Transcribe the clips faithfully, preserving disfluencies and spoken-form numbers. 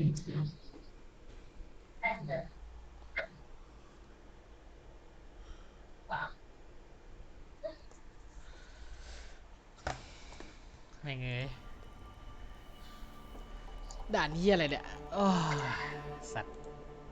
ไม่เงยด่านนี้อะไรเนี่ยโอ้สัตว์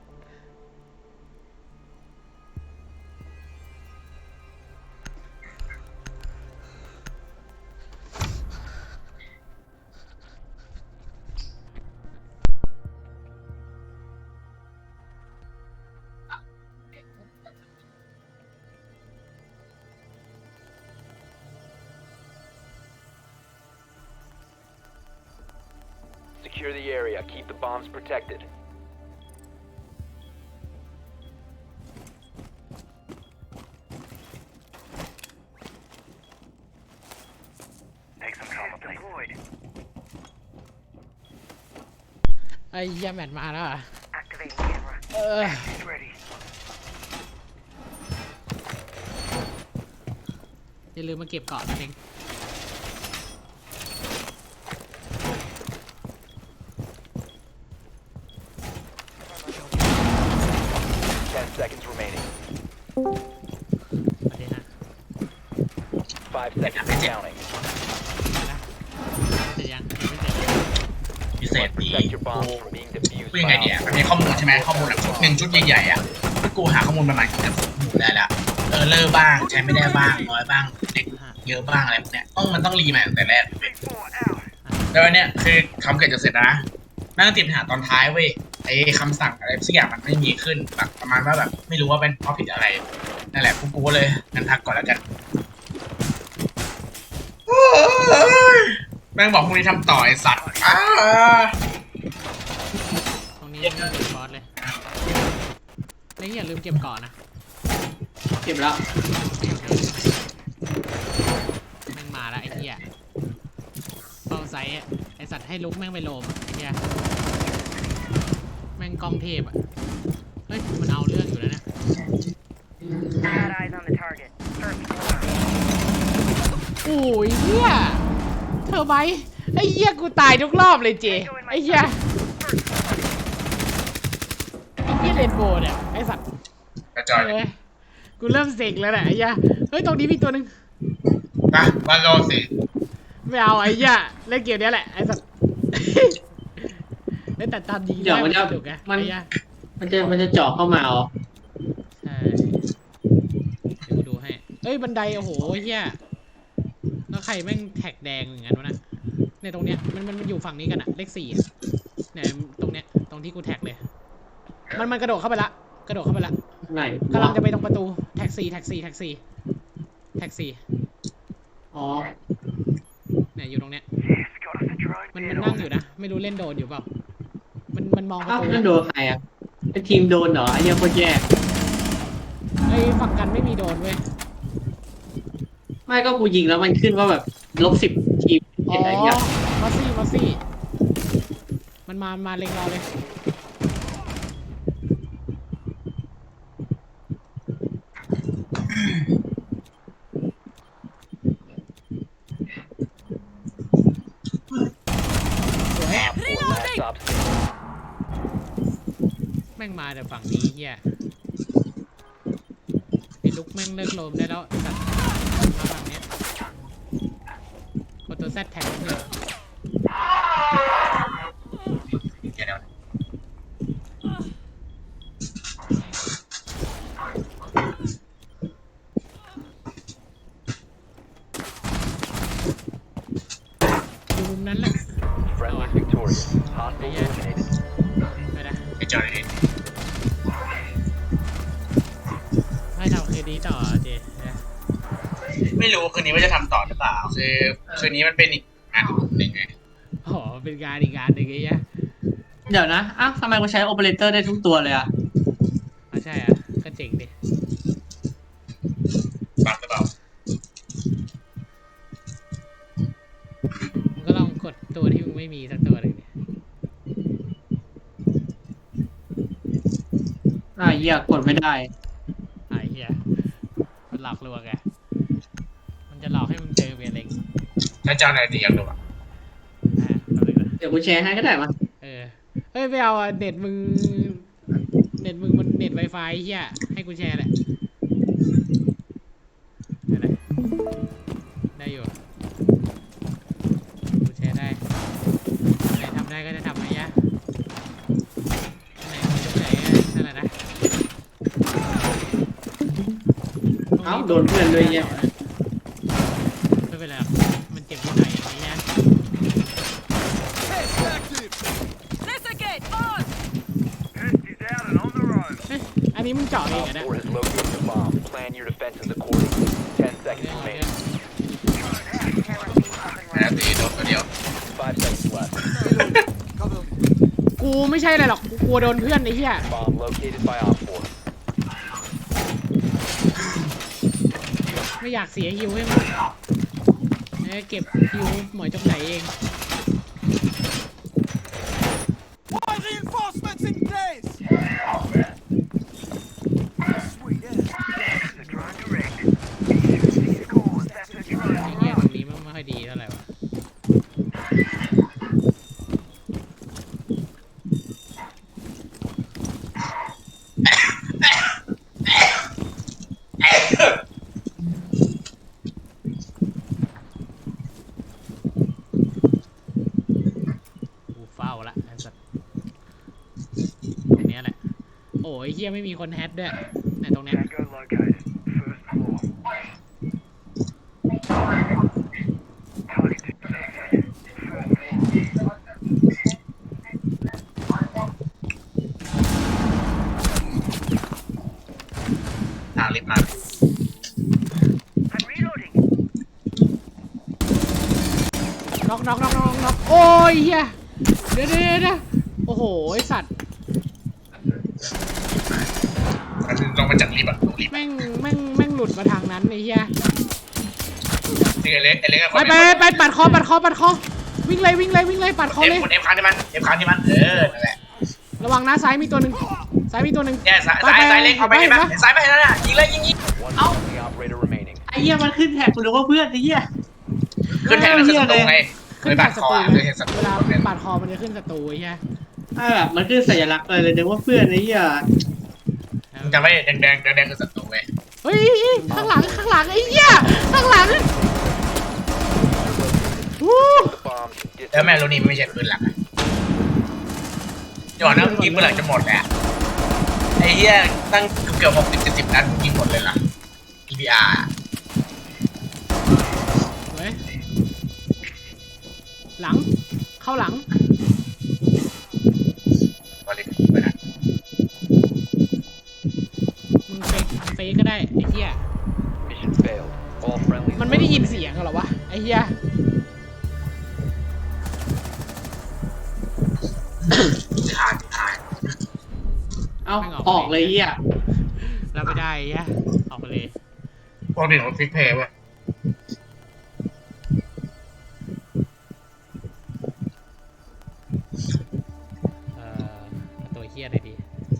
Secure the area. Keep the bombs protected. Take some cover, please. ไอ้ยาแมทมาแล้วอ่ะ Activating camera. เออ It's ready. อย่าลืมมาเก็บเกาะนั่นเอง Ten seconds remaining. ประเด็นนะ Five seconds counting. นะเสร็จยังยังไม่เสร็จพิเศษ Must ดี protect your กู bombs from being defused กูยังไง by เนี่ย op มันมีข้อมูลใช่ไหมข้อมูลแบบชุดหนึ่งชุดใหญ่ๆอ่ะกูหาข้อมูลประมาณเกือบหมดได้แล้วเออเลอร์บ้างใช้ไม่ได้บ้างน้อยบ้างเด็กเยอะบ้างอะไรพวกเนี้ยต้องมันต้องรีใหม่ตั้งแต่แรก Big four out. แล้วอันเนี้ยคือคำเกิดจะเสร็จนะนั่งติดปัญหาตอนท้ายเว้ยไอ้คำสั่งอะไรสักอย่างมันไม่มีขึ้นแบบประมาณว่าแบบไม่รู้ว่าเป็นเพราะผิดอะไรนั่นแหละกูกูก็เลยงั้นพักก่อนแล้วกันแม่งบอกพรุ่งนี้ทำต่อไอสัตว์อ้าตรงนี้ยังไม่เป็นบอสเลยแล้วอย่าลืมเก็บเกาะนะเก็บแล้วแม่งมาแล้วไอ้เหี้ยเป้าไซส์อะไอสัตว์ให้ลุกแม่งไปโลมอะไอ้เหี้ยแม่งกองเทพอ่ะเฮ้ยมันเอาเรื่องอยู่แล้วเนี่ย Bad eyes on the target. First floor. โอ้ยเหี้ยเธอไหมไอ้เหี้ยกูตายทุกรอบเลยเจไอ้เหี้ยไอ้เหี้ยเรนโบว์เนี่ยไอ้สัตว์กระจอยเลยเอ้ยกูเริ่มเซ็งแล้วแหละไอ้เหี้ยเฮ้ยตรงนี้มีตัวหนึงไปบ้านโลสิไม่เอาไอ้เหี้ยเล่นเกมเนี้ยแหละไอ้สัตว์ เล่นแต่ตามยิงเดี๋ยวมันจะสนุกไงมันไอ้เหี้ยมันจะมันจะเจาะเข้ามาเหรอใช่เดี๋ยวกูดูให้เอ้ยบันไดโอ้โหเหี้ยแล้วใครแม่งแท็กแดงอย่างนั้นวะน่ะในตรงเนี้ยมันมันมันอยู่ฝั่งนี้กันอะเลขสี่อะเนี่ยตรงเนี้ยตรงที่กูแท็กเลยมันมันกระโดดเข้าไปละกระโดดเข้าไปละไหนกำลังจะไปตรงประตูแท็กซี่แท็กซี่แท็กซี่แท็กซี่อ๋อเนี่ยอยู่ตรงเนี้ย It's got us a drone. มันมันนั่งอยู่นะไม่รู้เล่นโดนอยู่เปล่ามันมันมองประอ้าวตูนั่นโดนใครอ่ะไอทีมโดนเหรอไอเนี่ยโคตรแย่ไอ้ฝั่งกันไม่มีโดนเว้ยไม่ก็กูยิงแล้วมันขึ้นว่าแบบลบสิบทีมอ๋เห็อนอะไรเงี้ยมอสซี่มอสซี่มันมามาเล็งเราเลยสวย Op four last stop standing. แม่งมาแต่ฝั่งนี้เฮียไอ้ลุกแม่งเลิกโลมได้แล้วสัตว์มาฝั่งเนี้ยกดตัวแซดแท็กเพื่อนเดี๋ยวอยู่มุมนั้นแหละ Friendly victorious. Hostile eliminated. ไม่ได้กระจอยเลยให้ทำคืนนี้ต่อเจนะไม่รู้คืนนี้ว่าจะทำต่อหรือเปล่าคือคืนนี้มันเป็นอีกงานหนึ่งไงอ๋อเป็นการอีกงานหนึ่งไอ้เงี้ยเดี๋ยวนะอ้าวทำไมกูใช้โอเปอเรเตอร์ได้ทุกตัวเลยอ่ะอ๋อใช่อ่ะก็เจ๋งดิบักหรือเปล่ามึงก็ลองกดตัวที่มึงไม่มีสักตัวหนึ่งดิอ่าเหี้ยกดไม่ได้ไอ้เหี้ยมันหลอกลวงไงมันจะหลอกให้มึงเจอเมียเล็กถ้าเจ้าไหนตีอยากดูอ่ะอ่าแป๊บนึงนะเดี๋ยวกูแชร์ให้ก็ได้มาเออเฮ้ยฮ้ยไม่เอาอะเน็ตมึงเน็ตมึงมันเน็ตไวไฟเฮียให้กูแชร์แหละได้เลยได้อยู่กูแชร์ได้ไหนทำได้ก็จะทำไหมยะไหนมันจะไหนนั่นแหละนะเอ้าโดนเพื่อนด้วยเนี่ยไม่เป็นไรหรอกมันเจ็บนิดหน่อยอย่างนี้นะ Listen, on! เฮ้ยอันนี้มึงเจาะเอง Op เหรอเนี่ย four has located the bomb. Plan your defenses accordingly. Ten เรื่อง seconds ของเรื่ remaining. แล้วตีโดนตัวเดียว Five seconds left. กูไม่ใช่อะไรหรอกกูกลัวโดนเพื่อนไอ้เหี้ย Bomb located by Op four. ไม่อยากเสียฮิวให้มันเอ้ยเก็บฮิวหมอยจงไหนเอง Reinforcements in place! Sweet, yeah. ไอ้เหี้ยตรงนี้มันไม่ค่อยดีเท่าไหร่วะกูเฝ้าละไอ้สัสตรงเนี้ยแหละโอ้ยเหี้ยไม่มีคนแฮดด้วยไหนตรงเนี้ย Tango located. First floor. Target detected. First floor. ทางลิฟต์มา I'm reloading. น็อกน็อกน็อกน็อกน็อกโอ้ยเฮียเดี๋ยวเดี๋ยวเดี๋ยวโอ้โหไอสัตว์มันลงมาจากลิฟต์อะลงลิฟต์แม่งแม่งแม่งหลุดมาทางนั้นไอ้เฮียที่ไอเล็กไอเล็กไปไปไปปัดคอปัดคอปัดคอวิ่งเลยวิ่งเลยวิ่งเลยปัดคอเอฟเลยกดเอฟค้างที่มันเอฟค้างที่มันเออนั่นแหละระวังนะซ้ายมีตัวหนึ่งซ้ายมีตัวหนึ่งเนี่ยซ้ายซ้ายซ้ายเล็กเอาไปเห็นไหมเห็นซ้ายไปนั่นน่ะยิงเลยยิงยิง One friendly operator remaining. ไอ้เหี้ยมันขึ้นแท็กกูนึกว่าเพื่อนไอ้เหี้ยขึ้นแทงแล้วขึ้นศัตรูไงเคขึ้นยบาดศัคอตรูเคยเห็นศัตรูเวลาเนี่ยปัดคอมันจะขึ้นศัตรูไอ้เฮียอ่าแบบมันขึ้นสัญลักษณ์เลยเลยนึกว่าเพื่อนไอ้เหี้ยมึงจำไว้แดงแดงแดงแดงคือศัตรูไงเฮ้ยข้างหลังข้างหลังไอ้เฮียข้างหลังวู้ The bomb. แล้วแม่รู้นี่ไม่ใช่ปืนหลักอะก่อนนะมึงยิงปืนหลักจะหมดแหละไอ้เหี้ยตั้งเกือบหกสิบเจ็ดสิบนัดมึงยิงหมดเลยล่ะ อี พี อาร์เฮ้ยหลังเข้าหลังบริษัทไปนะมึงเฟกเฟกก็ได้ไอ้เหี้ย Mission failed. All friendly. มันไม่ได้ยินเสียงเหรอวะไอ้เหี้ยขาดขาดเอ้าออกเลยไอ้เหี้ยเราไม่ได้ไอ้เหี้ยออกไปเลยพวกเด็กมันฟิกเพย์เว้ยเอ่อเอาตัวเหี้ยเลยดี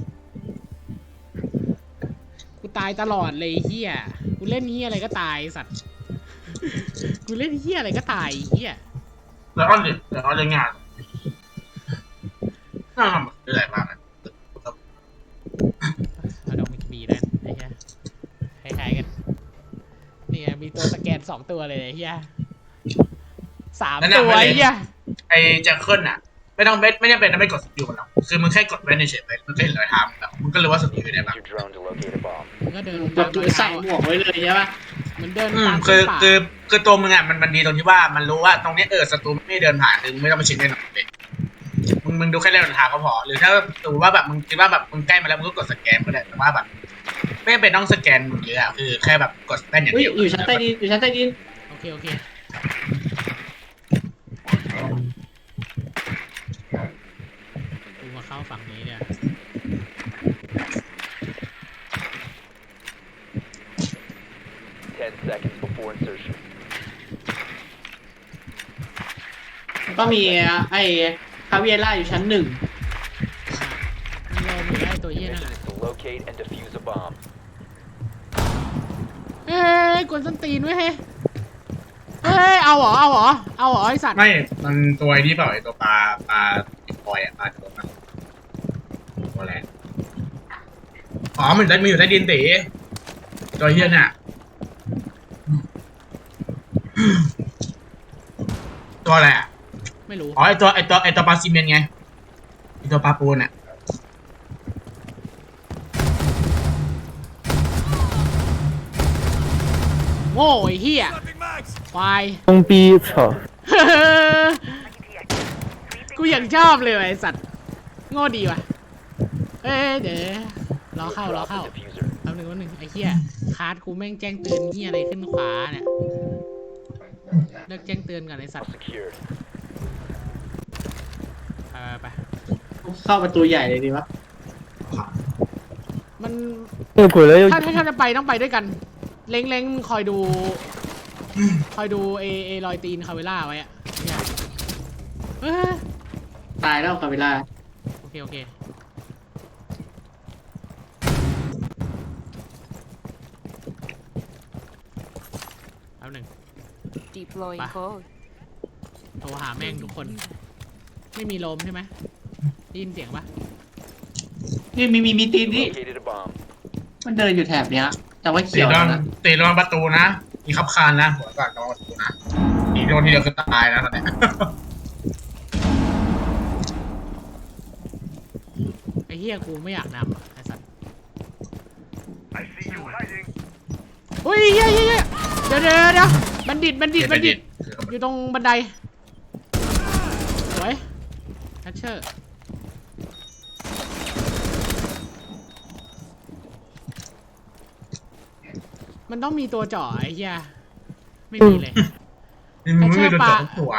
กูตายตลอดเลยไอ้เหี้ยกูเล่นเหี้ยอะไรก็ตายไอ้สัตว์กูเล่นเหี้ยอะไรก็ตายไอ้เหี้ยแล้วอ้อนดิแล้วอ้อนเรื่องงานน่าทำอะไรบ้างอะเอาดอกมิกบีนั่นไอ้เหี้ยคล้ายๆกันนี่ไงมีตัวสแกนสองตัวเลยไอ้เหี้ยสามตัวไอ้เหี้ยไอ้แจ็คเกิลน่ะ ไม่ต้องไม่ไม่จำเป็นต้องไปกดสกิลมันหรอกคือมึงแค่กดไว้ในเฉยๆมันก็เห็นรอยเท้ามึงแล้วมึงก็รู้ว่าสกิลอยู่ไหน Use บ้าง your drone to locate a bomb. มันก็เดินแบบดูใส่หมวกไว้เลยใช่ปะเหมันเดินอืมตามคือป่าคือคือตัวมึงอ่ะมันมันดีตรงที่ว่ามันรู้ว่าตรงเนี้ยเออศัตรูไม่เดินผ่านคือมึงไม่ต้องมาชิงแน่นอนเลยมึงมึงดูแค่เรื่องทางก็พอหรือถ้าสมมติว่าแบบมึงคิดว่าแบบมึงใกล้มาแล้วมึงก็กดสแกนก็ได้แต่ว่าแบบไม่จำเป็นต้องสแกนมึงเยอะอะคือแค่แบบกดแป้นอย่างอุ้ยเดียวอยู่ชั้นใต้ดินอยู่ชั้นใต้ดินโอเคโอเคกูมาเข้าฝั่งนี้เนี่ย Ten seconds before insertion. แล้วก็มีไอ้คาเวียร่าอยู่ชั้นหนึ่งมันรอมือได้ตัวเหี้ยนั่น Mission แหละ is to locate and defuse a bomb. เฮ้ยกวนส้นตีนไว้ยเฮ้ยเฮ้ยเอาเหรอเอาเหรอเอาเหรอไอสัตว์ไม่มันตัวไอ้นี่เปล่าไอ้ตัวปลาปลาปอยอ่ะปลาตัวนั้นตัวแรงอ๋อมันได้มีอยู่ใต้ดินตีตัวเฮียเนี่ยตัวอะไรอ่ะไม่รู้อ๋อไอตัวไอตัวไอตัวปลาซีเมนต์ไงไอตัวปลาปูนอ่ะโง่ไอ้เหี้ย Swapping mags. ควาย装逼，操！ กูยังชอบเลยว่ะไอสัตว์โง่ดีว่ะเอ้ยเดี๋ยวรอเข้ารอ Drop เข้า the diffuser. แป๊บนึงแป๊บนึงไอ้เหี้ยคาร์ดกูแม่งแจ้งเตือนเหี้ยอะไรขึ้นขวาเนี่ยเลิกแจ้งเตือนก่อนไอสัตว์ Secured. ไปไปไปเข้าประตูใหญ่เลยดีวะมัน那个鬼来要ถ้าถ้าถ้าจะไปต้องไปด้วยกัน เล้งเล้งคอยดู คอยดูเอเอรอยตีนคาเวล่าไว้อะเนี่ยเอ้ยตายแล้วคาเวลาโอเคโอเคแป๊บหนึ่ง Deploying Bye. code. โทรหาแม่งทุกคน ไม่มีลมใช่ไหมได้ยินเสียงปะนี่มีมีมีตีน You นี่ located a bomb. มันเดินอยู่แถบเนี้ย แต่ว่าตีเขียวโดนนะตีโดนประตูนะมีขับคานนะหัวก่อนโดนประตูนะตีโดนทีเดียวคือตายนะตอนเนี้ยไอ้เหี้ยกูไม่อยากนำอะไอ้สัตว์ I see you hiding. อุ้ยเหี้ยเหี้ยเหี้ยเดี๋ยวเดี๋ยวเดี๋ยวบัณฑิตบัณฑิตบัณฑิต อยู่ตรงบันได สวยแคชเชอร์ มันต้องมีตัวเจาะไอ้เหี้ย ไม่มีเลยนี่มึงไม่โดนจับทุกตัว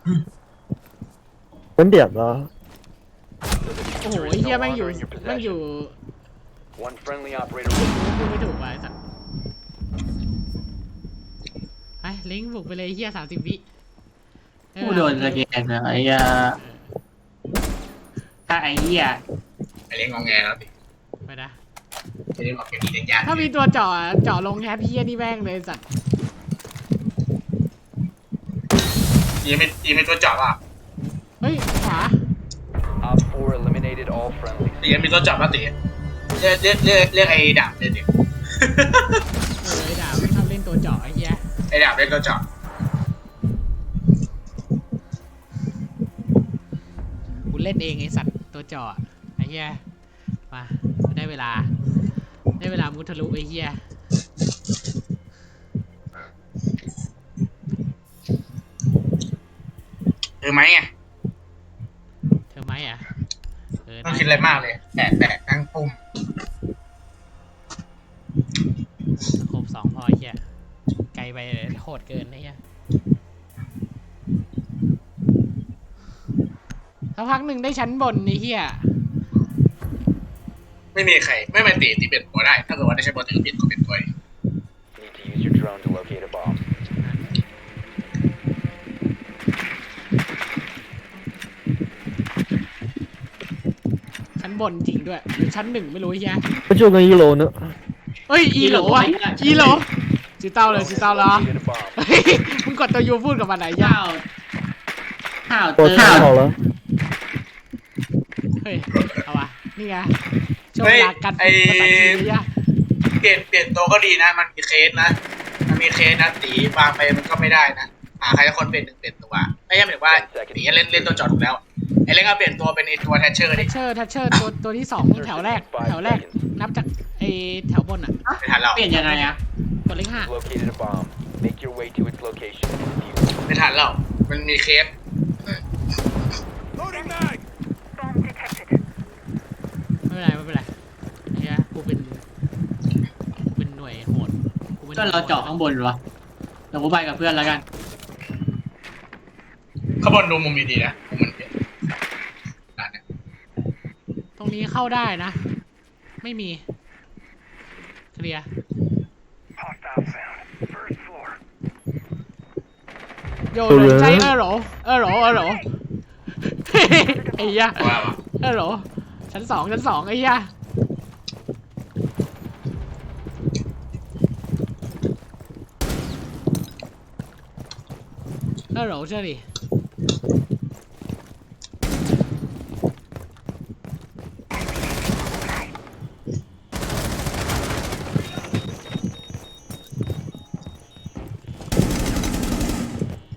稳点了。 โอ้โหไอ้เหี้ยแม่งอยู่แม่งอยู่ One friendly operator. พูดไม่ถูกว่ะไอ้สัตว์ไปลิงก์บุกไปเลยไอ้เหี้ยสามสิบวิผู้โดนสแกนนะไอ้ยาถ้าไอ้เหี้ยไอเลี้ยงงอแงแล้วสิไปนะไอเลี้ยงออกเกมดีเล่นยากถ้ามีตัวเจาะอะเจาะลงแฮปปี้นี่แม่งเลยไอ้สัตว์ตีไม่ตีไม่ตัวเจาะป่ะเฮ้ย ขวา Op four eliminated all friendlies. ตีมีตัวเจาะป่ะตีเรียกเรียกเรียกเรียกไอ้ดาบเลยดิเออไอ้ดาบไม่ชอบเล่นตัวเจาะไอ้เหี้ยไอ้ดาบเรียกตัวเจาะกูเล่นเองไอ้สัตว์ตัวเจาะไอ้เหี้ยมาได้เวลา ได้เวลามุทะลุไอ้เหี้ยคือไหมไงเธอไหมอ่ะเออต้องคิดอะไรมากเลยแตะแตะทั้งปุ่มครบสองพอไอ้เหี้ยไกลไปโหดเกินไอ้เหี้ยสักพักหนึ่งได้ชั้นบนไอ้เหี้ยไม่มีใครไม่มาตีตีเปลี่ยนตัวได้ ถ้าเกิดว่าได้ใช้บอลตีก็เปลี่ยนก็เปลี่ยนตัวเอง Need to use your drone to locate a bomb. ชั้นบนจริงด้วยหรือชั้นหนึ่งไม่รู้ไอ้เหี้ย不就跟一楼呢？ เฮ้ยอีโหลอ่ะอีโหลจีเต้าเลยจีเต้าแล้ว Located a bomb. เฮ้ยมึงกดตัวยูพูดกับมันไหนยะข้าวข้าวเต我อร์太好了， เฮ้ย เอาวะนี่ไงช่วงเฮ้เวย ลาการไอ้ฝึกภาษาจีนเลยอะเปลี่ยนเปลี่ยนตัวก็ดีนะ มันมีเคสนะ มันมีเคสนะตีวางไปมันก็ไม่ได้นะหาใครสักคนเปลี่ยนหนึ่งเปลี่ยนตัวไม่ใช่หมายถึงว่าตีเล่นเล่นตัวจอดถูกแล้ว ไอ้เล่นก็เปลี่ยนตัวเป็นไอ้ตัวแทชเชอร์ทัดิชเชอร์ทัชเชอร์ตัวตัวที่สองแถวแรก แถวแรก นับจากไอแถวบนอ่ะไม่ทันเราเปลี่ยนยังไงอะกดเลขห้า Located a bomb. Make your way to its location and defuse it. ไม่ทันเรามันมีเคส Loading mag. Bomb detected. ไม่เป็นไรไม่เป็นไรเฮียกูเป็นกูเป็นหน่วยโหดกูเป็นหก็น่วยโหดเราเจาะข้างบนวะเดี๋ยวกูไปกับเพื่อนแล้วกันข้างบนดูมุมดีๆนะมุมมันเปลี่ยนด้านเนี้ยตรงนี้เข้าได้นะ ไม่มี เคลียร์ Hostile found. First floor. โยนเลยใจเออเหรอเออเหรอเออเหรอ ไอ้เหี้ยว่าว่ะเออเหรอชั้นสองชั้นสองไอ้เหี้ยเออเหรอเชื่อดิ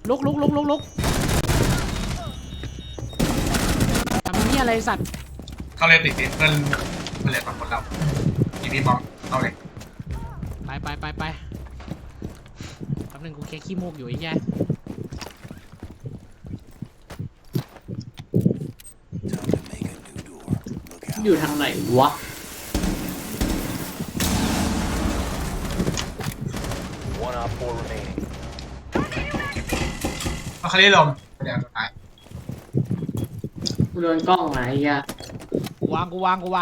ลุกลุกลุกลุกลุกทำนี่อะไรสัตว์เขาเลยติดติดเพื่อนเพื่อนเลยสองคนเราทีนี้บอมเอาเลยไปไปไปไปแป๊บนึงกูแค่ขี้มูกอยู่ไอ้แย่อยู่ทางไหนวะ One op four remaining. เอาเขาเรียกลมเดี๋ยวสุดท้ายกูโดนกล้องไหนอ่ะกูวางกูวางกูวาง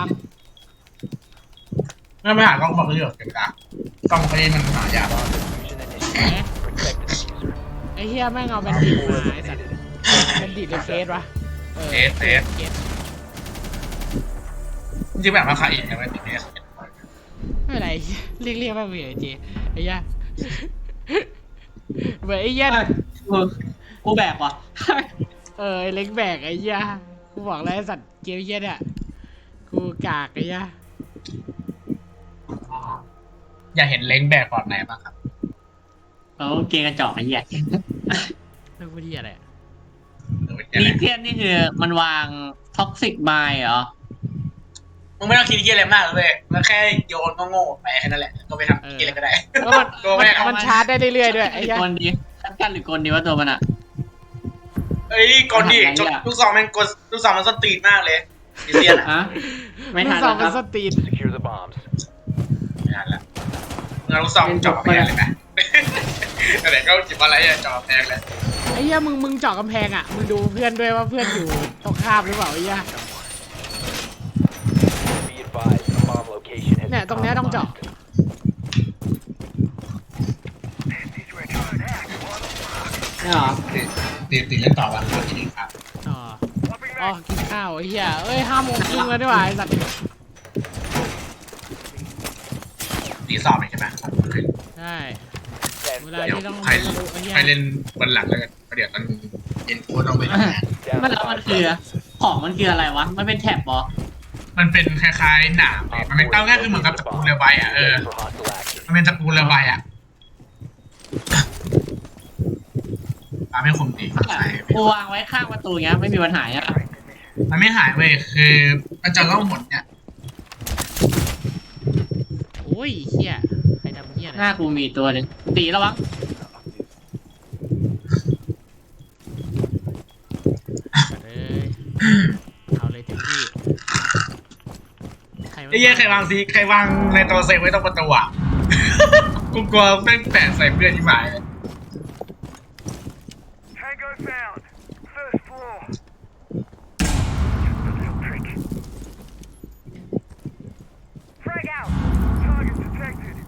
ไม่ไม่หากล้องบอกเรื่องเก็บตากล้องเขาเรียกมันหายาก Bomb diffusion initiated. Protect the diffuser. ไอ้เฮียแม่งเอาแบน Op ดิต four มาไอ้สัตว์ eliminated. แบนดิตหรือเฟสวะออเฟสเฟสเฟสจริงๆแบบว่าขาอีกนะไม่ติดเอสไม่เป็นไรเรียกเรียกแม่งไปไอ้เจไอ้เหี้ยเหมือนไอ้เหี้ยเออกูแบกว่ะเออไอ้เล็กแบกไอ้เหี้ยกูบอกแล้วไอ้สัตว์เกมเหี้ยเนี่ยกูกากไอ้เหี้ยอยากเห็นเล้งแบกฟอร์ดไหนบ้างครับเขาเกงกระจอกไอ้เหี้ยเรื่องพูดที่อะไรอะหรือว่าจะลีอะไรเทียนนี่คือมันวางท็อกซิกไมล์เหรอมึงไม่ต้องคิดเยอะอะไรมากเลยมันแค่โยนก็โง่ไปแค่นั้นแหละก็ไปทำกินอะไรก็ได้แล้วมันตัวแม่มันมันชาร์จได้เรื่อยๆด้วยไอ้เหี้ยกลดีชัดกันหรือกลดีว่าตัวมันอ่ะเอ้ยกดดิจดลูกซองมันกดลูกซองมันส้นตีนมากเลยดิเซียนอ่ะฮะไม่ทันลูกซองแล้วคมันรับสตีน Secure the bombs. ไม่ทันละเงาลูกซองจ่อไปเลยนะแต่ก็จิบอะไรอะจ่อแพงเลยไอ้เหี้ยมึงมึงเจาะกำแพงอ่ะมึงดูเพื่อนด้วยว่าเพื่อนอยู่ตรงข้ามหรือเปล่าไอ้เหี้ย Be advised, the bomb location has เนี่ย been ตรงเนี้ยต้องเจาะ These were trying to act. What the fuck? ไม่เหรอตีตีเล่นต่อวันแล้วทีนี้ครับอ๋อ Swapping อ๋อ back. กินข้าวไอ้เหี้ยเอ้ยห้าโมงครึ่งแล้วดีกว่าไอ้สัตว์ตีสอบใช่ไหมใช่ ten เวลาเดี๋ยวที่ต้องใครทะลุไอ้เหี้ยใครเล่นบนหลังแล้วกันเดี๋ยวตอนเย็นกูต้องไปทำงาน down มัน to แล้วมัน five คือ seconds. ของมันคืออะไรวะ มันเป็นแท็บเหรอมันเป็นคล้ายๆหนามมันเป็นเต้าง่ายคือเหมือนกับตะปูเรือใบอ่ะเออ For hostile action. มันเป็นตะปูเรือใบอ่ะปาไม่คมดีใช่กูวางไว้ข้างประตูเงี้ยไม่มีปัญหาอ่ะมันไม่หายเว้ยคือมันจะล่องหมดเนี่ยโอ้ยเหี้ยใครทำเหี้ยหนะน้ากูมีตัวหนึงตีระวังเอ้ยเอาเลยเต็มที่ใครไอ้เหี้ยใครวางซีใครวางในตัวเซฟไว้ตรงประตูอ่ะ กูกลัวแม่งแตกใส่เพื่อนที่หมาย Tango found. First floor. Just a little trick. Frag out. Target detected.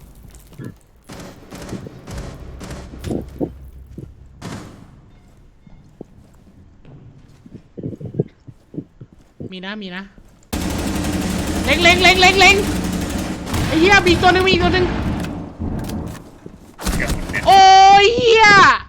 มีนะมีนะเล็งเล็งเล็งเล็งเล็งไอ้เหี้ยมีอีกตัวหนึงมีอีกตัวหนึงเกือบหมดเนี่ยโอ้ยเหี้ย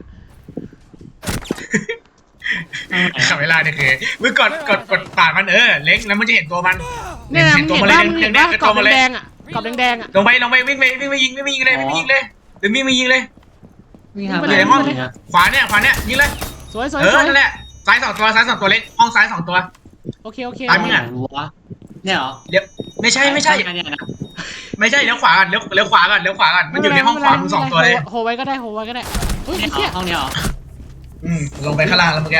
ขับเวลาเนี่ยคือมึงกดกดกดปากมันเออเล้งแล้วมันจะเห็นตัวมันเนี่ยนะเห็มึนงตัวเห็นมันเลยว่ามึงเห็เห็นนเนี่ว่ายเป็นกรตัอวบมันเลยแดงๆอ่ะกรอบแดงๆอ่ะลงไปลงไปวิ่งไปวิ่งไปยิงวิ่งไปยิงเลยวิ่งไปยิงเลยหรือมีมายิงเลยมีทำทำอะอะไร ไรอยู่ในห้องเนี่ยขวาเนี่ยขวาเนี่ยยิงเลยสวยสวยเอสอวยนั่นแหละซ้ายสองตัวซ้ายสองตัวเล็กห้องซ้ายสองตัวโอเคโอเคตายมึงอะวะเนี่ยเหรอเดี๋ยวไม่ใช่ไม่ใช่เนี่ยนะไม่ใช่เลี้ยวขวาก่อนเลี้ยวเลี้ยวขวาก่อนเลี้ยวขวาก่อนมันอยู่ในห้องขวามึงสองตัวเลยโฮไว้ก็ได้โฮไว้ก็ได้เฮ้ยเนี่ไอ้ยเหรเหี้อย ห้องนี้เหรออืมลงไปข้างล่างแล้วเมื่อกี้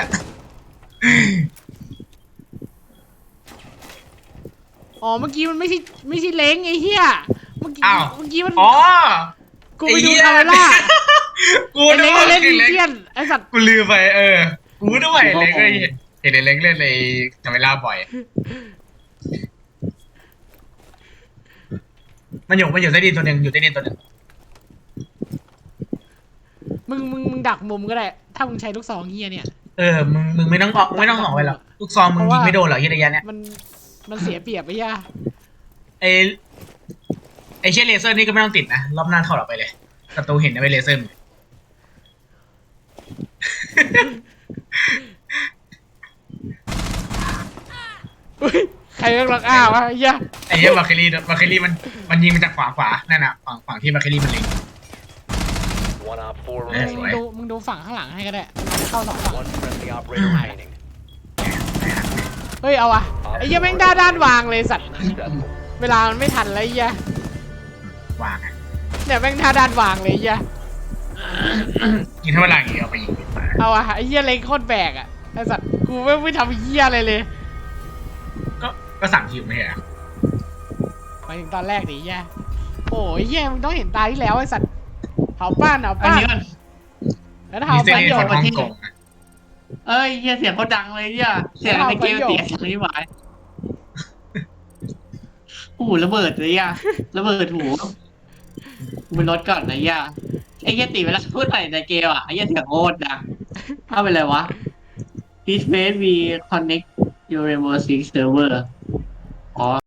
อ๋อเมื่อกี้มันไม่ใช่ไม่ใช่เล้งไอ้เหี้ยเมื่อกี้เมื่อกี้มันอ๋อกูไปดูคาเมล่ากูไอ้นึเล้กงว่าเล่นเห็ดีนเล็กเซียนไอ้สัตว์กูลืมไปเออกูด้วยเล็กเลยเห็นเล็กเล่นในคาเมล่าบ่อยมันอยู่มันอยู่ใต้ดินตัวหนึ่งอยู่ใต้ดินตัวหนึ่งมึงมึงมึงดักมุมก็ได้ ถ้ามึงใช้ลูกซองเหี้ยเนี่ยเออมึงมึงไม่ต้องออกไม่ต้องออกไปหรอกลูกซองมึงยิงไม่โดนหรอกยี่ระยะเนี้ยมันมันเสียเปรียบไอ้เหี้ยไอไอเช่นเลเซอร์นี่ก็ไม่ต้องติดนะรอบหน้าเข้าหรอกไปเลยศัตรูเห็นนะไปเลเซอร์เฮ้ยใครเรียกลักอ้าวะไอ้เหี้ยไอ้เหี้ยบาเคลลี่บาเคลลี่มันมันยิงมาจากขวาขวานั่นน่ะฝั่งฝั่งที่บาเคลลี่มันเล็ง One op four เอ้ยมึส remaining. วยงดูมึงดูฝั่งข้างหลังให้ก็ได้มันเข้าสองฝั่ง One friendly operator remaining. เฮ้ยเอาอะไอ้เหี้ยแม่งด้านด้านวางเลยสัตว์ Successful. เวลามันไม่ทันแล้วไอ้เหี้ยวางไงเนี่ยแม่งท่าด้านวางเลยไอ้เหี้ยกินเท่าไหร่เอาไปยิงไปเอาอะไอ้เหี้ยเล็งโคตรแบกอะไอ้สัตว์กูไม่ไม่ทำเหี้ยอะไรเลยก็ก็สั่งคิวไม่ใช่เหรอไปถึงตอนแรกดิไอ้เหี้ยโอ้ยเหี้ยมึงต้องเห็นตาที่แล้วไอ้สัตว์เผาป้านเผาอันป้านนี้มันแล้วมีเผาเส้นไปนี้โยคนนฮ่องกงนะเอ้ยเฮียเสียงเขาดังเลยเนี่ยเสียงในเกมเสียงสังนิวายโอ้โหระเบิดเลยอ่ะระเบิดหูกูเป็นรถก่อนนะย่าไอ้เฮียตีเวลาพูดอะไรในเกมอ่ะไอ้เฮียเสียงโคตรดังถ้าเป็นไรวะ This face we connect your remote server อ๋อ